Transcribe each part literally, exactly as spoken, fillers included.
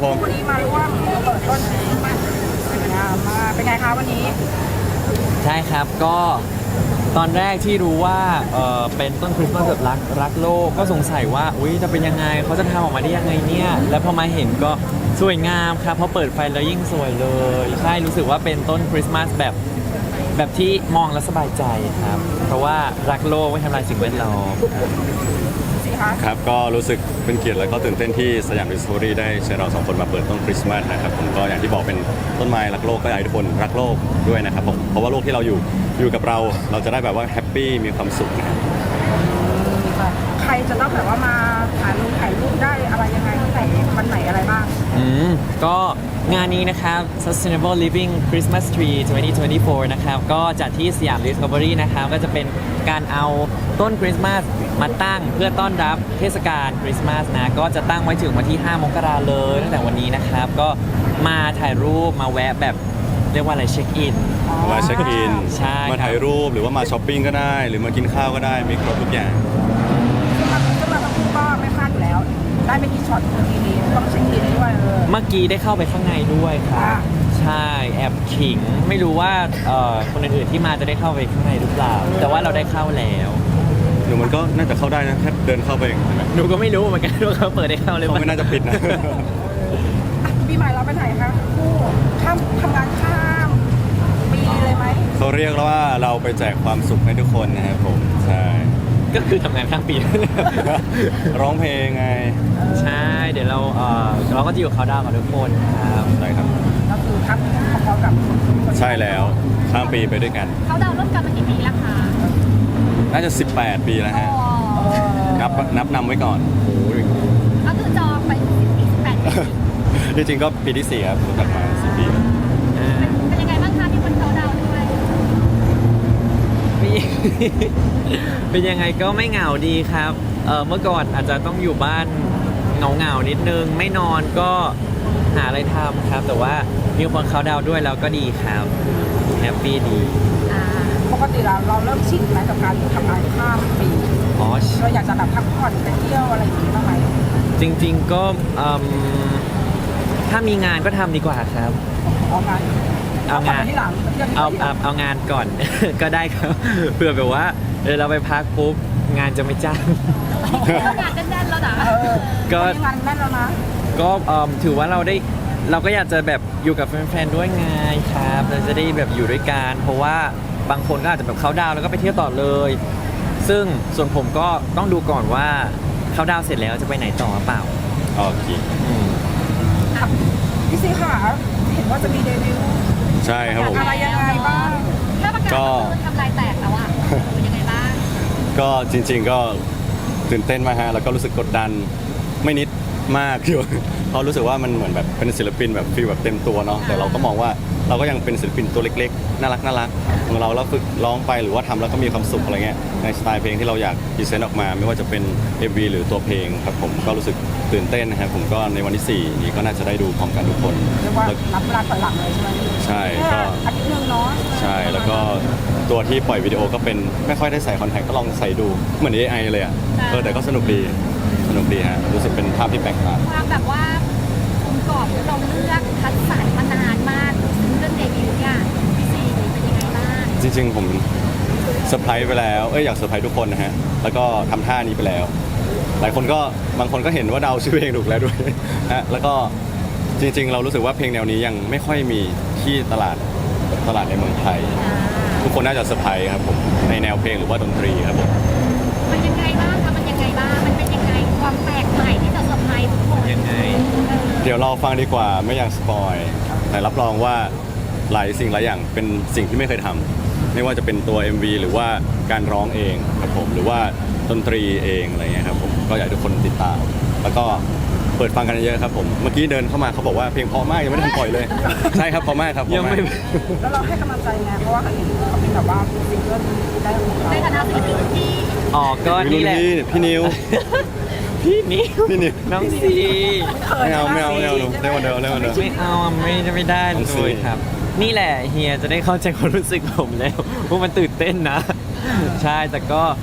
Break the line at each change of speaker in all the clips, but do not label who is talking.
ม
วันนี้มาร่วมเปิดต้นมามาเป็นไงคะวันนี้
ใช่ครับก็ตอนแรกที่รู้ว่าเออเป็นต้นคริสต์มาสแบบรักรักโลกก็สงสัยว่าอุ้ยจะเป็นยังไงเขาจะทำออกมาได้ยังไงเนี่ยแล้วพอมาเห็นก็สวยงามครับพอเปิดไฟแล้วยิ่งสวยเลยใช่รู้สึกว่าเป็นต้นคริสต์มาสแบบแบบที่มองแล้วสบายใจครับเพราะว่ารักโลกไม่ทำลายสิ่งแวดล้อม
สิคะ
ครับก็รู้สึกเป็นเกียรติและก็ตื่นเต้นที่สยามดิสคัฟเวอรี่ได้เชิญเราสองคนมาเปิดต้นคริสต์มาสนะครับผมก็อย่างที่บอกเป็นต้นไม้รักโลกก็อยากให้ทุกคนรักโลกด้วยนะครับผมเพราะว่าโลกที่เราอยู่อยู่กับเราเราจะได้แบบว่าแฮปปี้มีความสุขนะครับ
ใครจะต้องแบบว่ามาถ่ายรูปถ่ายรูปได้อะไรยังไงที่ไหนวันไหนอะไรบ้าง
อืมก็งานนี้นะครับ Sustainable Living Christmas Tree สองพันยี่สิบสี่ นะครับก็จัดที่สยาม Discovery นะครับก็จะเป็นการเอาต้นคริสต์มาสมาตั้งเพื่อต้อนรับเทศกาลคริสต์มาสนะก็จะตั้งไว้ถึงวันที่ห้ามกราเลยตั้งแต่วันนี้นะครับก็มาถ่ายรูปมาแวะแบบเรียกว่าอะไรเช็คอิน
มาเช็คอิน
ใช่ครับ
มาถ่ายรูปหรือว่ามาช้อปปิ้งก็ได้ หรือมากินข้าวก็ได้มีครบทุกอย่าง
ซึ่งเราซึ่งเราทั้งคู่ก็ไม่พลาดอยู่แล้ว ได้ไปกี่ช็อตทีนี้ต้องเช็คอินด้วยเออ
เมื่อกี้ได้เข้าไปข้างในด้วยครับ
อ่า
ใช่แอบขิงไม่รู้ว่าเอ่อคนอื่นๆที่มาจะได้เข้าไปข้างในหรือเปล่า แต่ว่าเราได้เข้าแล้ว
หนูมันก็น่าจะเข้าได้นะแค่เดินเข้าไปเองใช่ไหม
หนูก็ไม่รู้เหมือนกันว่าเขาเปิดได้เข้าหรือ
เขา
เปล่า
ไม่น่าจะปิดนะ
อ่ะปีใหม่เราไปไหนคะคู่ข้ามทำงานข้ามปีเลยไหม
เขาเรียกว่าเราไปแจกความสุขให้ทุกคนนะครับผมใช่
ก็คือทำงานข้างปี
ร้องเพลงไง
ใช่ เดี๋ยวเราเอ่อเราก็จะอยู่เขาดาวกับทุกคนครับ
ใช่ครับ
ก็คือทักพร้อมๆกับคน
ใช่แล้วข้ามปีไปด้วยกัน
เขาดาวน์ร่วมกันมากี่ปีแล้วคะ
น่าจะสิบแปดปีแล้วฮะ
เออ
นับนับนำไว้ก่อน
ก็คือจองไปสิบปีสิบแปดปี
จริงๆก็ปีที่สี่ครับรู้จักมาสี่ปีแล้ว
อ่า
เป็นยังไงบ้างคะที่คนเขาดาวน์ด้วย
มี เป็นยังไงก็ไม่เหงาดีครับเออเมื่อก่อนอาจจะต้องอยู่บ้านเหงาๆนิดนึง ไม่นอนก็หาอะไรทำครับ แต่ว่ามีคนเขาดาวน์ด้วยแล้วก็ดีครับแฮปปี้ดี
อ่า
ปกติเราเราเริ่มชินไหมกับการทำงานข้ามปี
อ๋อ
เราอยากจะแบบพักผ่อนไปเที่ยวอะไรอย่างนี้บ้างไหม
จริงๆก็อืมถ้ามีงานก็ทำดีกว่าครับ
เอางาน
เอางาน
ที่หลังเที่ยวที่
เอา
หลั
เอา
ง
เอางานก่อน ก็ได้ครับ เพื่อแบบว่าเออเราไปพักปุ๊บงานจะไม่จ้าง
งานแน่นๆแล้วนะ
เออ
ก็
วันนี้งานแน่นแล้วนะ
ก็เอิ่มถือว่าเราได้เราก็อยากจะแบบอยู่กับแฟนๆด้วยไงครับเราจะได้แบบอยู่ด้วยกันเพราะว่าบางคนก็อาจจะแบบเขาดาวน์แล้วก็ไปเที่ยวต่อเลย ซึ่งส่วนผมก็ต้องดูก่อนว่าเขาดาวน์เสร็จแล้วจะไปไหนต่อหรือเปล่า
โอเค
อืม
พี่ซีค่ะเห็นว่าจะมีเดบิวต์
ใช่ครับผม
อะไรยังไงบ้าง
ถ้าประกาศ
ก็
ก็คือทำลายแตกแล้วอ่ะเป็นยังไงบ้าง
ก็จริง ๆ ก็ตื่นเต้นมากฮะแล้วก็รู้สึกกดดันไม่นิดมากอยู่ เพราะรู้สึกว่ามันเหมือนแบบเป็นศิลปินแบบฟีลแบบเต็มตัวเนาะแต่เราก็มองว่าเราก็ยังเป็นศิลปินตัวเล็กๆน่ารักน่ารักของเราแล้วฝึกร้องไปหรือว่าทำแล้วก็มีความสุขอะไรเงี้ยในสไตล์เพลงที่เราอยากพรีเซนต์ออกมา ไม่ว่าจะเป็น เอ็ม วี หรือตัวเพลงครับผมก็รู้สึกตื่นเต้นนะครับผมก็ในวันที่สี่นี้ก็น่าจะได้ดูพร้อมกันทุกคน
เรียกว่า
แล้ว
รับเวลาถอยหลังเลยใช่ไหม
ใช่ก็
แค่อาทิตย์หนึงเนาะ
ใช่แล้วก็ตัวที่ปล่อยวิดีโอก็เป็นไม่ค่อยได้ใส่คอนแทคก็ลองใส่ดูเหมือน เอ ไอ เลยอ่ะเออแต่ก็สนุกดีสนุกดีฮะรู้สึกเป็นภาพที่แปลกตา
ความแบบว่าองค์กรที่เราเลือกคัดสรรมานานมากซึ่งเรื่องเดบิวต์เนี่ยพี่ซีเป็นยังไงบ้าง
จริงๆผมเซอร์ไพรส์ไปแล้วเอ้ยอยากเซอร์ไพรส์ทุกคนนะฮะแล้วก็ทำท่านี้ไปแล้ว หลายคนก็บางคนก็เห็นว่าเดาชื่อเพลงถูกแล้วด้วย ฮะแล้วก็จริงๆ เรารู้สึกว่าเพลงแนวนี้ยังไม่ค่อยมีที่ตลาดตลาดในเมืองไทย ทุกคนน่าจะเซอร์ไพรส์ครับผมในแนวเพลงหรือว่าดนตรีครับผม
มันยังไงบ้างคะมันยังไงบ้างมันเป็นยังไงความแปลกใหม่ที่จะเซอร์ไพรส์ทุกคน
ยังไง
เออ
เดี๋ยวเราฟังดีกว่าไม่อยากสปอยแต่รับรองว่าหลายสิ่งหลายอย่างเป็นสิ่งที่ไม่เคยทำไม่ว่าจะเป็นตัว เอ็ม วี หรือว่าการร้องเองครับผมหรือว่าดนตรีเองอะไรเงี้ยครับผมก็อยากให้ทุกคนติดตาม แล้วก็เปิดฟังกันเยอะๆครับผมเมื่อกี้เดินเข้ามาเขาบอกว่าเพลงเพราะมากยังไม่ได้ทันปล่อยเลย ใช่ครับเพราะมากครับเพ
ยัง
ราะ
ไม่
มาก
แล้วเราให้กำลังใจไงเพราะว่าเขาเห็นเขาเป็นแบบว่าซิงเกิลได้ของเรา
ในฐานะศิลปินที่
อ๋อก็
พี่
นี่แหละ
พี่พี่นิว
พี่นิว
พี่นิว
น้องซี
ไม่เอาไม่เอาไม่เอาหนูเล่นวันเดียวเล่นวันเดียว
ไม่เอาอะไม่ได้ไม่ได้
น้องซี
เลยครับ นี่แหละเฮียจะได้เข้าใจความรู้สึกผมแล้วว่ามันตื่นเต้นนะ ใช่แต่ก็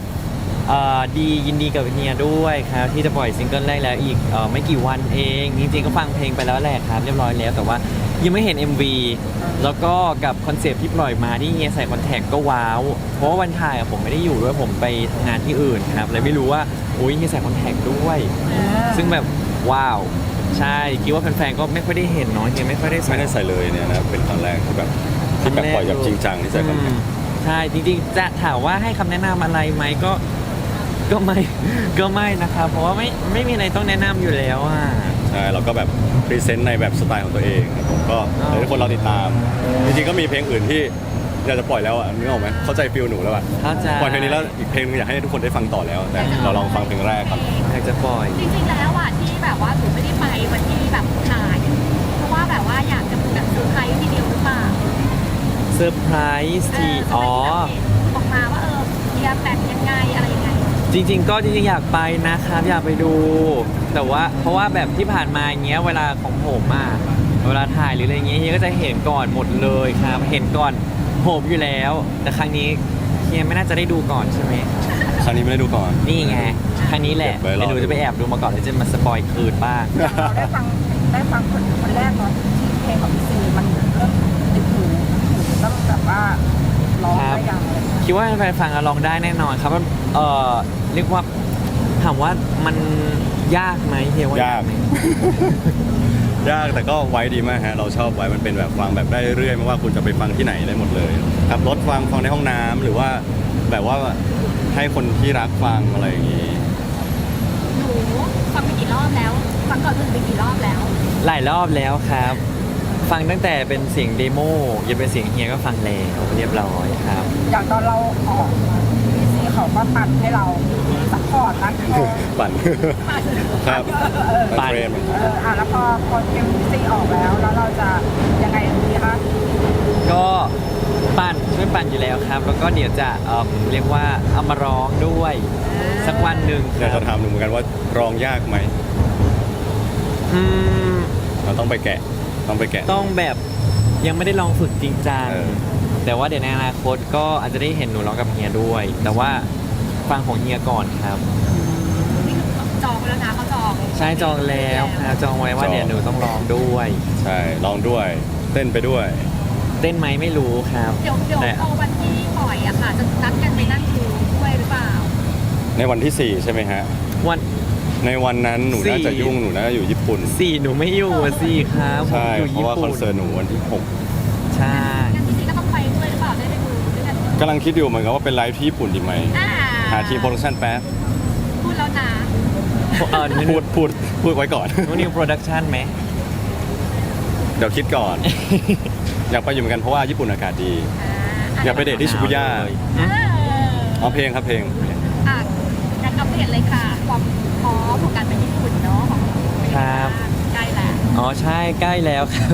เอ่อดียินดีกับเฮียด้วยครับที่จะปล่อยซิงเกิลแรกแล้วอีกเอ่อไม่กี่วันเองจริงๆก็ฟังเพลงไปแล้วแหละครับเรียบร้อยแล้วแต่ว่ายังไม่เห็น เอ็ม วี แล้วก็กับคอนเซปต์ที่ปล่อยมาที่เฮียใส่คอนแทคก็ว้าวเพราะว่าวันถ่ายอะผมไม่ได้อยู่ด้วยผมไปทำงานที่อื่นครับเลยไม่รู้ว่าอุ้ยเฮียใส่คอนแทคด้วย ซึ่งแบบว้าวใช่คิดว่าแฟนๆก็ไม่ค่อยได้เห็นเนาะเฮียไม่ค่อยได้ใส่
ไม่ได้ใส่เลยเนี่ยนะเป็นครั้งแรกที่แบบที่แบบปล่อยแบบจริงจังที่ใส่คอนแทค
อืมใช่จริงๆจะถามว่าให้คำแนะนำอะไรไหมก็ก็ไม่ ก็ไม่นะครับเพราะว่าไม่ไม่มีอะไรต้องแนะนำอยู่แล้วอ่ะ
ใช่เราก็แบบพรีเซนต์ในแบบสไตล์ของตัวเองครับผมก็
อ๋อ
ให้ทุกคนเราติดตาม จริงๆก็มีเพลงอื่นที่อยากจะปล่อยแล้วอ่ะนึกออกไหมเข้าใจฟิลหนูแล้วอ่ะ
เข้าใจ
ปล่อยเพลงนี้แล้วอีกเพลงนึงอยากให้ทุกคนได้ฟังต่อแล้ว แต่เราลองฟังเพลงแรกก่อน
อยากจะปล่อย
จริงๆแล้วอ่ะที่แบบว่าหนูไม่ได้ไปวันที่แบบถ่ายเพราะว่าแบบว่าอยากจะแบบเซอร์ไพรส์ทีเดียวหรือเปล่า
เซอร์ไพรส์ที่
เ
อ๋อ
ออกมาว่าเออเฮียแบบยังไงอะไรยังไง
จริง ๆ ก็จริงๆอยากไปนะครับอยากไปดู แต่ว่าเพราะว่าแบบที่ผ่านมาอย่างเงี้ยเวลาของผมอ่ะเวลาถ่ายหรืออะไรเงี้ยเฮียก็จะเห็นก่อนหมดเลยครับเห็นก่อนผมอยู่แล้ว แต่ครั้งนี้เฮียไม่น่าจะได้ดูก่อนใช่ไหม
ครั้งนี้ไม่ได้ดูก่อน
นี่ไงครั้งนี้แหละ
เก็บไว้รอ
เดี๋ยวหนูจะไปแอบดูมาก่อนแล้วจะมาสปอยคืนบ้าง
อย่างเราได้ฟังได้ฟังคนคนแรกเนาะที่เพลงของพี่ซีมันเริ่มติดหูหูต้องแบบว่าร้องได้ยังอะไรอย่างเงี้ย
คิดว่าแฟนๆฟังแล้วร้องได้แน่นอนครับเออเรียกว่าถามว่ามันยากไหมเฮียว่ายากไหม
ยากแต่ก็ไว้ดีมากฮะเราชอบไว้มันเป็นแบบฟังแบบได้เรื่อยไม่ว่าคุณจะไปฟังที่ไหนได้หมดเลยขับรถฟังฟังในห้องน้ำหรือว่าแบบว่าให้คนที่รักฟังอะไรอย่างนี้
หนูฟังไปกี่รอบแล้ว ฟังก่อนอื่นไปกี่รอบแล้ว
หลายรอบแล้วครับ ฟังตั้งแต่เป็นเสียงเดโมยันเป็นเสียงเฮียก็ฟังแล้วเรียบร้อยครับ
อย่างตอนเราออกพี่ซีเขาก็ปั่นให้เราซัพพอร์ตรักคอ
ปั่น
ปั่น
ครับ
ปั่น
เทรน
เอออ่ะแล้วพอพอเพลงพี่ซีออกแล้ว แล้วเราจะยังไงดีคะ
ก็ปั่นช่วยปั่นอยู่แล้วครับ แล้วก็เดี๋ยวจะเอ่อเรียกว่าเอามาร้องด้วยสักวันหนึ่ง
อยาก
ครั
จะ
บ
ถามหนูเหมือนกันว่าร้องยากไหม
อืม
เราต้องไปแกะต้องไปแกะ
ต้องแบบยังไม่ได้ลองฝึกจริงจัง
เออ
แต่ว่าเดี๋ยวในอนาคตก็อาจจะได้เห็นหนูร้องกับเฮียด้วย แต่ว่าฟังของเฮียก่อนครับ
นี่คือจองไปแล้วนะเขาจอง
ใช่จองแล้วครับจองไว้ว่าเดี๋ยวหนูต้องร้องด้วย
ใช่ร้องด้วย เต้นไปด้วย
เต้นไหมไม่รู้ครับ
เดี๋ยวเดี๋ยว
แต่
พอวันที่ปล่อยอะค่ะ จะนัดกันไปนั่งดูด้วยหรือเปล่า
ในวันที่สี่ใช่ไหมฮะ
วัน
ในวันนั้นหนูน่าจะ
สี่
ยุ่งหนูน่าจะอยู่ญี่ปุ่น
สี่หนูไม่อยู่อะสิครับผม
ใช่
อยู่
เพ
ญี่
ราะว่าค
ปุ่
อน นเสิร์ตหนูวันที่หก
ใช่
งั้นพี่ซีก็ต้องไปด้วยหรือเปล่าได้ไปดูด้วยกัน
กำลังคิดอยู่เหมือนกันว่าเป็นไลฟ์ที่ญี่ปุ่นดีไหม
อ่า
หาทีมโปรดักชั่นแป๊บ
พูดแล้วนะ
เออ
พูดพูดพูดไว้ก่อน
นูนิวโปรดักชันไหม
เดี๋ยวคิดก่อน อยากไปอยู่เหมือนกันเพราะว่าญี่ปุ่นอากาศดี
อ่า
อยากไปเดทที่ชิบูย่า
เลย
เออ
เอาเพลงครับเพลง
อ่ะงั้นอัปเดตเลยค่ะ ความพร้อมของการไปญี่ปุ่นเนาะของ
ครับ
ใกล้แล้ว
อ๋อใช่ใกล้แล้วครับ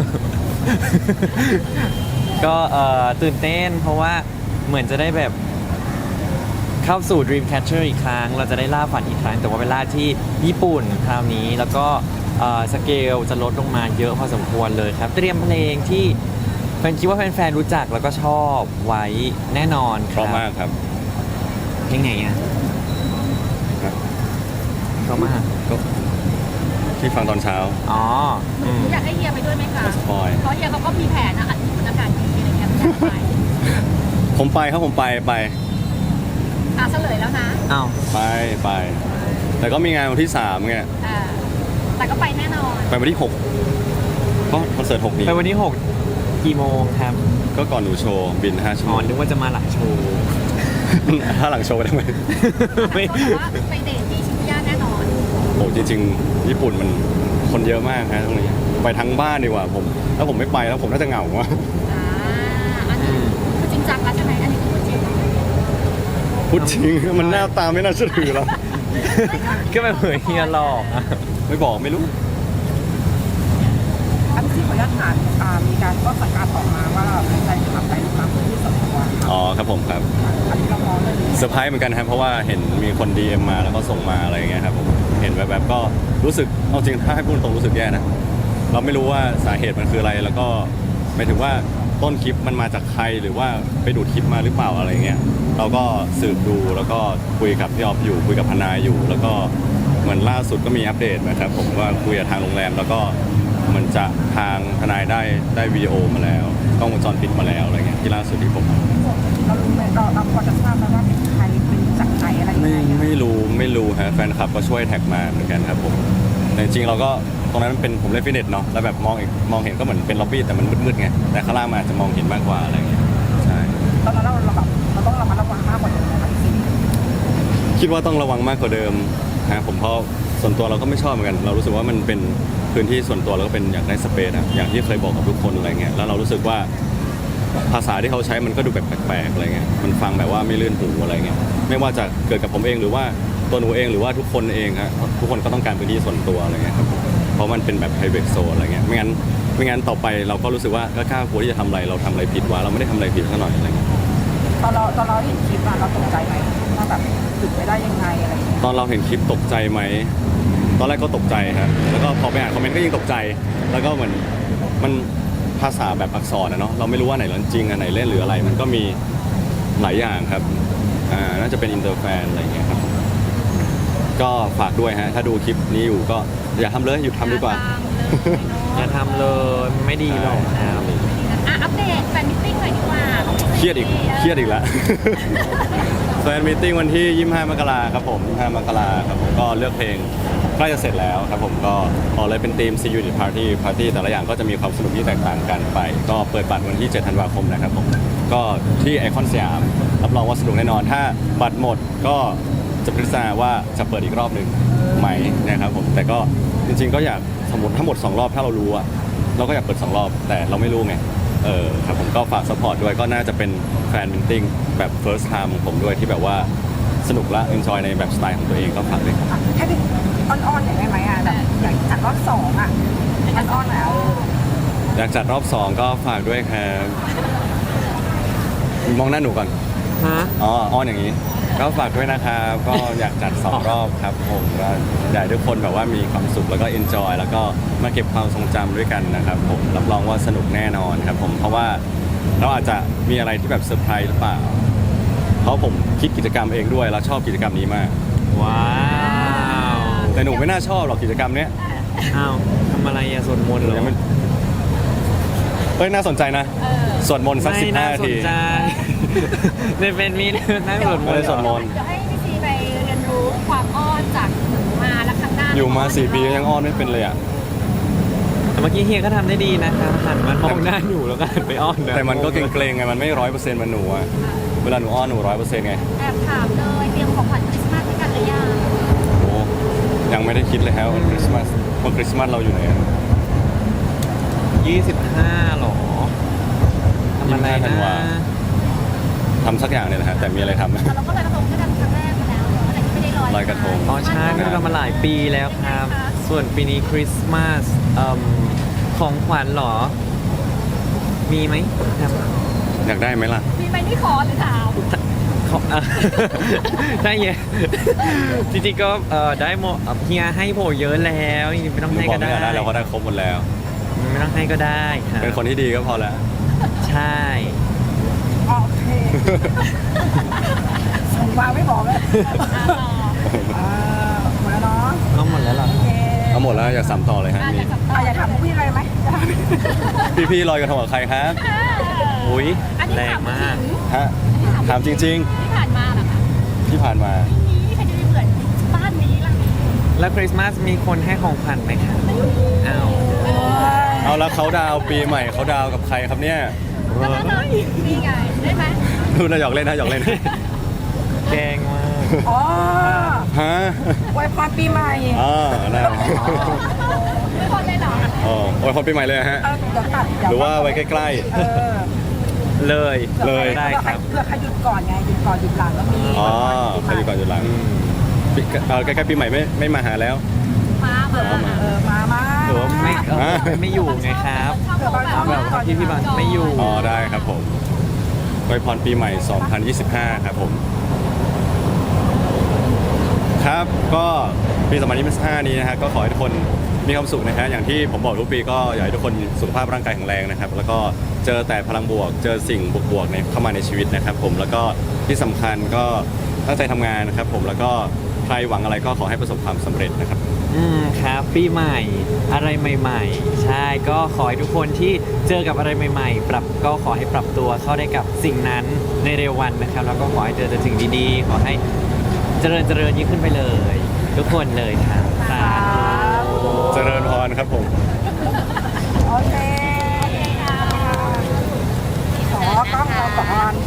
ก็เอ่อตื่นเต้นเพราะว่าเหมือนจะได้แบบเข้าสู่ Dreamcatcher อีกครั้ง เราจะได้ล่าฝันอีกครั้ง แต่ว่าเวลาที่ญี่ปุ่นคราวนี้แล้วก็เอ่อสเกลจะลดลงมาเยอะพอสมควรเลยครับ เตรียมเพลงที่แฟนคิดว่าแฟนๆรู้จักแล้วก็ชอบไว้แน่นอนค
เพ
รับ
ราะมากครับ
เพลงไหนอ่ะเพราะมาก
ก็ที่ฟังตอนเช้า
อ๋ออืม
อยากให้เฮียไปด้วยไหมคะ
สปอย
เพราะเฮียเขาก็มีแผนนะอันที่มันอากาศดีอะไรเงี้ยอยากไป
ผมไปครับผมไปไป
อ่ะเฉลยแล้วนะ
อ้าว
ไปไป แต่ก็มีงานวันที่สามไง
อ่าแต่ก็ไปแน่นอน
ไปวันที่หกก็คอนเสิร์ตหกนี้
ไปวันที่หกกี่โมงครับ
ก็ก่อนหนูโชว์บินห้าชั่ว
อ๋
โม
อง นึกว่าจะมาหลังโชว์
ถ้าหลังโชว์ไปได้ไหม
ไม่
เขาบอกว่าไปเดทที่ชิบูย่าแน่นอน
โอ้จริงๆ ญี่ปุ่นมันคนเยอะมากฮะตรงนี้ไปทั้งบ้านดีกว่าผมถ้าผมไม่ไปแล้วผมน่าจะเหงาว่ะ
อ่าอันนี้คือจริงจังแล้วใช่ไหมอันนี้คือพูดจริง
พูดจริงมันหน้าตาไม่น่าเชื่อถือหรอก
ก็แบบเหมือนเฮียหลอกอะ
ไม่บอกไม่รู้
อันที่ขออนุญาตถามอ่ามีการก็สังการออกมาว่าเราเป็นใจทำใจทำพื้นที่ส่วนตัว
อ๋อครับผมครับ
อันนี้เรามองเลย
เซอร์ไพรส์เหมือนกันครับเพราะว่าเห็นมีคน ดี เอ็ม มาแล้วก็ส่งมาอะไรอย่างเงี้ยครับผมเห็นแบบแบบก็รู้สึกเอาจริงถ้าให้พูดตรงรู้สึกแย่นะเราไม่รู้ว่าสาเหตุมันคืออะไรแล้วก็หมายถึงว่าตต้นคลิปมันมาจากใครหรือว่าไปดูดคลิปมาหรือเปล่าอะไรเงี้ยเราก็สืบดูแล้วก็คุยกับพี่ออฟอยู่คุยกับทนายอยู่ แล้วก็เหมือนล่าสุดก็มีอัปเดตนะครับผมว่าคุยกับทางโรงแรมแล้วก็เหมันจะทางทนายได้ได้วิดีโอมาแล้วกล้องวงจรปิดมาแล้วอะไรเงี้ยที่ล่าสุดที่ผม
เรารู้ไหมเราเราพอจะทราบไหมว่าเป็นใครเป็นจากไหนอะไรยัง
ไม่
ไงอะ
ไม่รู้ไม่รู้ฮะแฟนคลับก็ช่วยแท็กมาเหมือนกันครับผมแต่จริงๆเราก็ตรงนั้นมันเป็นผมเล่นฟิตเนสเนาะแล้วแบบมองอีกมองเห็นก็เหมือนเป็นล็อบบี้แต่มันมืดๆไงแต่ข้างล่างมันอาจจะมองเห็นมากกว่าอะไรเงี้ยใช่
ตอนนั้นเราเราแบบเราต้องระมัดระวังมากกว่านี้นะคะพี่ซี
คิดว่าต้องระวังมากกว่าเดิมฮะผมเพราะส่วนตัวเราก็ไม่ชอบเหมือนกัน เรารู้สึกว่ามันเป็นพื้นที่ส่วนตัวแล้วก็เป็นอยากได้สเปซอะอย่างที่เคยบอกกับทุกคนอะไรเงี้ยแล้วเรารู้สึกว่าภาษาที่เขาใช้มันก็ดูแบบแปลกๆอะไรเงี้ยมันฟังแบบว่าไม่ลื่นหูอะไรเงี้ยไม่ว่าจะเกิดกับผมเองหรือว่าตัวหนูเองหรือว่าทุกคนเองฮะทุกคนก็ต้องการพื้นที่ส่วนตัวอะไรเงี้ยครับเพราะมันเป็นแบบ private zone อะไรเงี้ยไม่งั้นไม่งั้นต่อไปเราก็รู้สึกว่าก็กล้ากลัวที่จะทำอะไรเราทำอะไรผิดวะเราไม่ได้ทำอะไรผิดซะหน่อยอะไรเงี้ย
ตอนเราตอนเราเห็นคลิปอะเราตกใจไหมว่าแบบถึงไปได้ยังไงอะไรอย่างเงี้ย
ตอนเราเห็นคลิปตกใจไหม ตอนแรกก็ตกใจครับ แล้วก็พอไปอ่านคอมเมนต์ก็ยิ่งตกใจ แล้วก็เหมือนมันภาษาแบบอักษรนะเนาะ เราไม่รู้ว่าไหนเรื่องจริงอันไหนเล่นหรืออะไร มันก็มีหลายอย่างครับ อ่า น่าจะเป็นอินเตอร์แฟนอะไรอย่างเงี้ยครับ ก็ฝากด้วยฮะ ถ้าดูคลิปนี้อยู่ก็อย่าทำเลยหยุดทำดีกว่า
อย่าทำเลยไม่ดีหรอกครับ
อ่ะอัปเดตแฟนมิทติ้งหน่อยดีกว่าของพี่
เครียดอีก เครียดอีกแล้ว แฟนมีตติ้งวันที่ ยี่สิบห้า มกราครับผม ยี่สิบห้า มกราครับผม ก็เลือกเพลงใกล้จะเสร็จแล้วครับผม ก็ออกเลยเป็นธีม See You at Party Party แต่ละอย่างก็จะมีความสนุกที่แตกต่างกันไป ก็เปิดบัตรวันที่ เจ็ด ธันวาคมนะครับผม ก็ที่ไอคอนสยาม รับรองว่าสนุกแน่นอน ถ้าบัตรหมดก็จะพิจารณาว่าจะเปิดอีกรอบหนึ่งไหมนะครับผม แต่ก็จริงๆก็อยากสมมติทั้งหมดสองรอบถ้าเรารู้อะเราก็อยากเปิดสองรอบ แต่เราไม่รู้ไง เออครับผมก็ฝากสปอร์ตด้วยก็น่าจะเป็นแฟนมิทติ้งแบบ first time ของผมด้วยที่แบบว่าสนุกและ enjoy ในแบบสไตล์ของตัวเองก็ฝากด้วยครับ
อ่ะให้ดิอ่อนๆหน่อยได้ไหมอ่ะแบบอยากจัดรอบสองอ่ะอ่อนๆหน่อยเอา
อยากจัดรอบสองก็ฝากด้วยครับมองหน้าหนูก่อน
ฮะ
อ๋ออ้อนอย่างนี้ ก็ฝากด้วยนะครับก็อยากจัดสองรอบครับผมก็อยากให้ทุกคนแบบว่ามีความสุขแล้วก็ enjoy แล้วก็มาเก็บความทรงจำด้วยกันนะครับผมรับรองว่าสนุกแน่นอนครับผมเพราะว่าเราอาจจะมีอะไรที่แบบเซอร์ไพรส์หรือเปล่า เพราะผมคิดกิจกรรมเองด้วยแล้วชอบกิจกรรมนี้มาก
ว้าว
แต่หนูไม่น่าชอบหรอกกิจกรรมเนี้ย
อ้าวทำอะไรอะสวดมนต์เหรอ
ยังไม่เฮ้ยน่าสนใจนะสวดมนต์สักสิบ
ไม่
ห้า
น่า
นา
ส
ที
นใจในเป็นมีนั่งสวดมน
ไม่ได้
ต์
สวดมนต์
เดี๋ยวให้พี่ซีไปเรียนรู้ความอ้อนจากหนูมาแล้วครั้งหน้า
อยู่มาสี่ปียังอ้อนไม่เป็นเลยอ่ะ
แต่เมื่อกี้เฮียก็ทำได้ดีนะครับหันมามองหน้าหนูแล้วก็หันไปอ้อนนะ
แต่มันก็เกรงๆไงมันไม่ร้อยเปอร์เซ็นต์มันหนูอะเวลาหนูอ้อนหนูร้อยเปอร์เซ็นต์ไง
แอบถามเลยเตรียมของขวัญคริสต์มาสให้กันหรือยัง
โอ้ยังไม่ได้คิดเลยครับวันคริสต์มาสวันคริสต์มาสเราอยู่ไหนอะ
ยี่สิบห้าหรอทำอะไร
ยี่สิบห้าธั
นะ
นวา ทำสักอย่างเนี่ยนะฮะแต่มีอะไรทำไหม
แต่เราก็ลอยกระทงด้วยกันครั้งแรกมาแล้วเนอะแต่ที่ไม่ได้ลอย
ลอยกระทง
อ๋อใช่ไม่ได้ทำมาหลายปีแล้วครับ ส่วนปีนี้คริสต์มาสเอิ่มของขวัญเหรอ มีไหมครับ
อยากได้ไหมล่ะ
มีไหมที่ขอหรือถาม
ของ อ่ะ ได้เยอะจริงๆก็เอ่อได้โมเอ่อเฮียให้โผเยอะแล้วจริงๆไม่ต้อง
หนู
ให้
บอก
ก็
ไม่
ได้
อยากได้เราก็ได้ครบหมดแล้ว
ไม่ต้องให้ก็ได้ครับ
เป็นคนที่ดีก็พอแล้ว
ใช่
โอเคส่งมาไม่บอกเลยอ่าหมดแล้วเนาะ
เอาหมดแล้วเหรอ
โอเค
เอาหมดแล้วอยากสามต่อเลยฮะ
อ่ะ
มี
อยากสัมภา
อ่ะ
ษณ์
อยากถามพี่อะไรไหมอยากถาม
พี่ๆลอยกระทงกับใครครับ
อุ้ย
อันนี้
แร
ถาง ม
มาก
จริง
ฮะถามจริง
ที่ผ่านมาเหรอคะ
ๆ ที่ผ่านมา
นี่ใครจะไปเหมือนบ้านนี้ล่ะ
แล้วคริสต์มาสมีคนให้ของขวัญไหมครับอ้าว
เอาแล้วเขาดาวน์ปีใหม่เขาดาวน์กับใครครับเนี่ย
แล้วแล้วแล้วนี่ไงได้ไหม
ดูนะหยอกเล่นนะหยอกเล่น
แกล้งมาก
อ๋อ
ฮะ
อวยพรปีใหม่
อ๋อน่า
ไม่พอเลยเหรอ
อ๋อโอ้ยพอปีใหม่เลยฮะ
เออเดี๋ยวตัดเดี๋ยว
หรือว่าไว้ใกล้
เออ
เลย
เลย
ได้ครับ
เพื่อใครหยุดก่อนไงหยุดก่อนหยุดหลังก็มี
ๆ อ๋อใครอยู่ก่อนอยู่หลังปีเอ่อใกล้ๆปีใหม่ไม่ไม่มาหาแล้ว
มามา
เออมามา
หรือว่าไม่เออ
อ่า
ไม่อยู่ไงครับ
ชอบบอก
เอาแบบว่าที่พี่บังไม่อยู่
อ๋อได้ครับผมอวยพรปีใหม่ สองพันยี่สิบห้า ครับผม ครับก็ปี สองพันยี่สิบห้า นี้นะฮะก็ขอให้ทุกคนมีความสุขนะฮะอย่างที่ผมบอกทุกปีก็อยากให้ทุกคนสุขภาพร่างกายแข็งแรงนะครับ แล้วก็เจอแต่พลังบวก เจอสิ่งบวกๆในเข้ามาในชีวิตนะครับผมแล้วก็ที่สำคัญก็ตั้งใจทำงานนะครับผมแล้วก็ใครหวังอะไรก็ขอให้ประสบความสำเร็จนะครับ
อืมครับปีใหม่อะไรใหม่ ๆ ใช่ก็ขอให้ทุกคนที่เจอกับอะไรใหม่ ๆ ปรับก็ขอให้ปรับตัวเข้าได้กับสิ่งนั้นในเร็ววันนะครับ แล้วก็ขอให้เจอแต่สิ่งดีๆ ขอให้เจริญเจริญยิ่งขึ้นไปเลย ทุกคนเลยครับสาธุ
เจริญพรครับผม
โอเคขอกล้องเราก่อน